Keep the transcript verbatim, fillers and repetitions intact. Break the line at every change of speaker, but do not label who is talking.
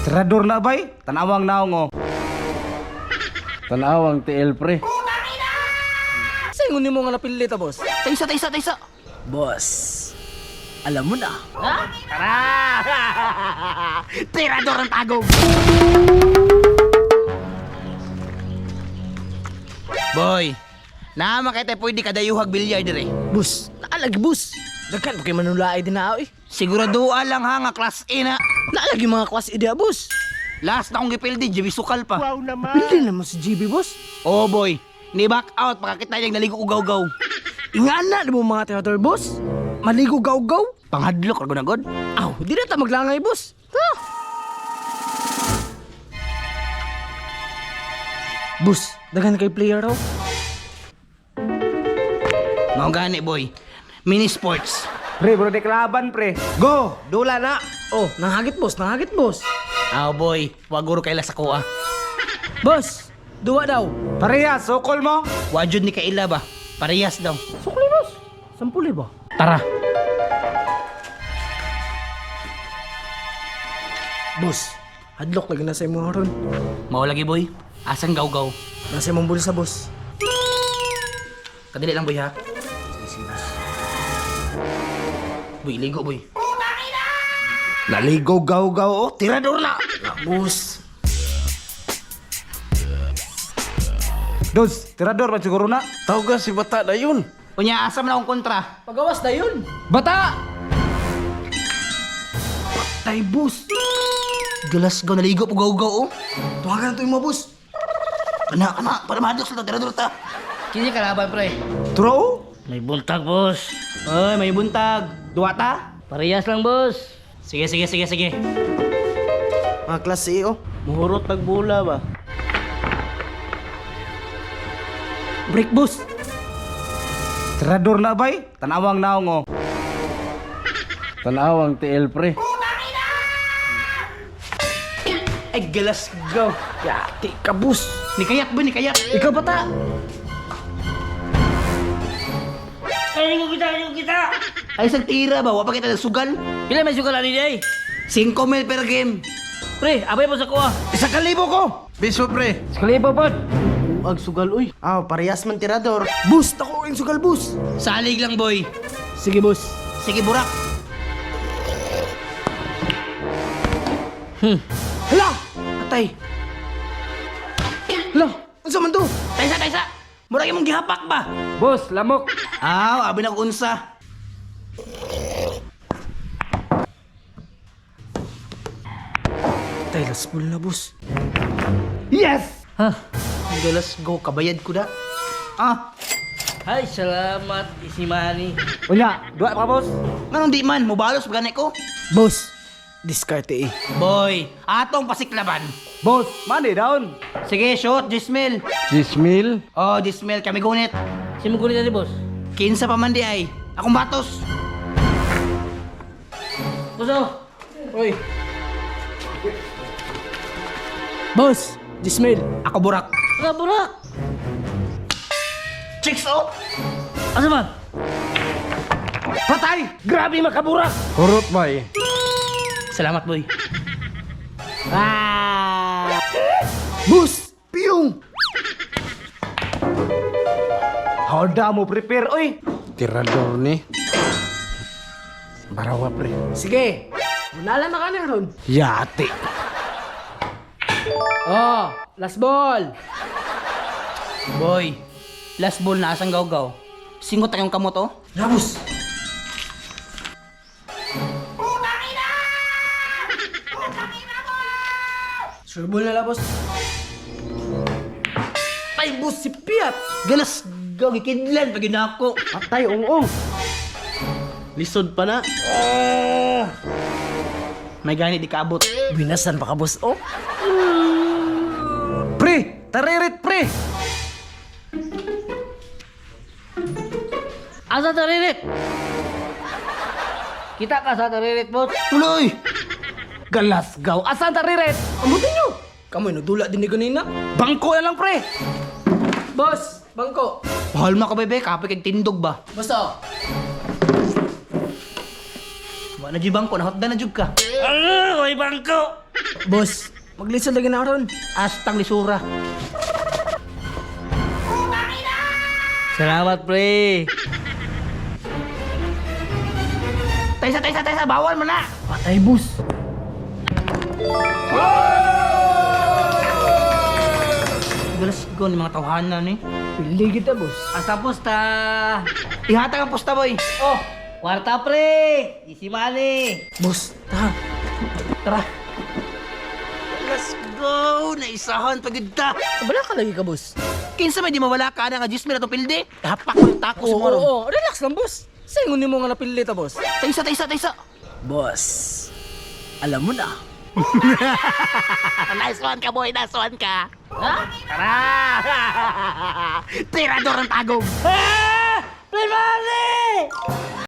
Tirador na bay, tanawang naong oh.
Tanawang T L pre.
Sa'yo ni mo nga napili ta, boss?
Taysa, taysa, taysa.
Boss, alam mo na.
Ha? Tara! Tirador ang tagog. Boy, naman kay tayo pwede kadayuhag bilyar dire.
Boss, naalagi, boss. Dagkan pa kayo manulaay din na ako eh.
Siguraduhan lang ha nga class A na.
Naalagi mga kwas idea, boss.
Last na akong gipildi, J B Sukal pa.
Pili naman si G B, boss.
Oh boy, ni back out pakakita niyang naligo ko gaw-gaw.
Ingana na mo mga teater, boss. Maligo gaw-gaw.
Panghadlok rago na god.
Aw, di na ta maglangay, boss. Ha? Boss, dagan kay player raw.
Mao gani boy. Mini sports.
Pre, bro, di kalaban pre. Go, dula na.
Oh, nangagit, boss. Nangagit, boss.
Ah boy, waguro kay sa kuha.
Boss, duwa daw.
Parehas, sokol mo.
Wajud ni kaila ba? Parehas daw.
Sukli, boss. Sampuli ba?
Tara.
Boss, hadlok lagi na sa imo ron.
Mao lagi boy. Asang gaw-gaw.
Nasa imong bulsa, boss.
Kadili lang boy ha. Boy, ligo boy.
Naligo gaw-gaw oh.
Tirador na.
Boss.
Dos, tirador man siguro na.
Tawag si bata na yun.
Unya asa man akong kontra.
Pagawas na yun.
Bata!
Tay, boss.
Galas gaw naligo po gaw-gaw oh.
Tuwagan na to yung mga boss.
Kana kana para mahadlok sa tirador ta. Kini kalaban pre.
True?
May buntag boss. Oy, may buntag. Duwa ta? Parehas lang boss. Sige sige sige sige.
Mga klase, oh.
Muhurot nagbula ba?
Break, boss.
Tirador na bay, tanawang naong oh.
Tanawang T L pre.
Ay galas gaw.
Yati ka, boss.
Ni kayat boy, ni kayat.
Ikaw bata.
Ay, ko kita, ko kita. Ay, isang tira ba? Wapa kita sugal? Pila may sugal ani day? five mil per game. Pre, abay po sa kuha.
Isang kalibo ko.
Biso pre.
Kalibo pod.
Ag sugal, uy. Ah, parehas man tirador. Boss, tako yung sugal, boss.
Salig lang, boy.
Sige, boss.
Sige, burak.
Hmm. Hala! Atay. Hala, ano sa man to?
Taysa, taysa. Murag imong gihapak ba?
Boss, lamok.
Aw, abi na ko unsa.
Atay, last ball na, boss.
Yes!
Ha? Ang galas go, kabayad ko da. Ah. Ay, salamat, Isimani.
Unya, dua pa boss.
Nganong di man, mubalos gani ko.
Boss, diskarte eh.
Boy, atong pasiklaban.
Boss, mani down.
Sige, shoot, Jismil.
Jismil.
Oh, Jismil, kami gunit. Si mo gunit ni boss? Kinsa pa man di ay. Akong batos. Boso.
Uy. Boss, Jismail.
Ako burak. Ako burak. Chicks oh. Asa man?
Patay! Grabe makaburak!
Hurot bay.
Salamat, boy.
Ah! Boss, piyong.
Hawda mo prepare, oy!
Tirador ni. Barawa pre.
Sige, munala na ka na ron.
Yati.
Oh, last ball.
Boy, last ball na asang gaw-gaw. Singot tayong kamot oh.
Rabos. Sure ball na la, boss. Ay, boss, si Piat.
Galas gaw gikidlan pag ako.
Atay, ong-ong.
Lisod pa na.
May gani di kaabot.
Binasan pa ka, boss, oh.
Pre! Taririt, pre!
Asa taririt? Kita ka sa taririt, boss.
Tuloy! Galasgaw! Asan taririt?
Amutin nyo. Kamoy, nagdula din ni ganina.
Bangko na lang, pre!
Boss, bangko.
Mahal mo ka, bebe. Kapag kag tindog ba?
Basta.
Wala na di bangko. Nahotda na jug ka. Ah, may bangko!
Boss, maglisod lagi na ron.
Astang lisura. Salamat, pre. Taysa, taysa, taysa, bawal mo na.
Patay, boss.
Galas ko ni mga tawhanan eh.
Pili kita, boss.
Asa pusta? Ihatag ang pusta, boy. Oh, kwarta, pre. Easy money.
Boss, ta.
Tara. Let's go! Naisahan pagod ta.
Bala ka lagi ka, boss.
Kinsa may di mawala ka na nga juice mila to pilde. Hapak mo yung tako sa
Oo,
moron.
oo, relax lang, boss. Saingon mo nga napili ta, boss.
Taysa, taysa, taysa.
Boss, alam mo na.
Nice one ka, boy. Nice one ka. Ha? Tara! Tirador ang tagong. Ah! Play money!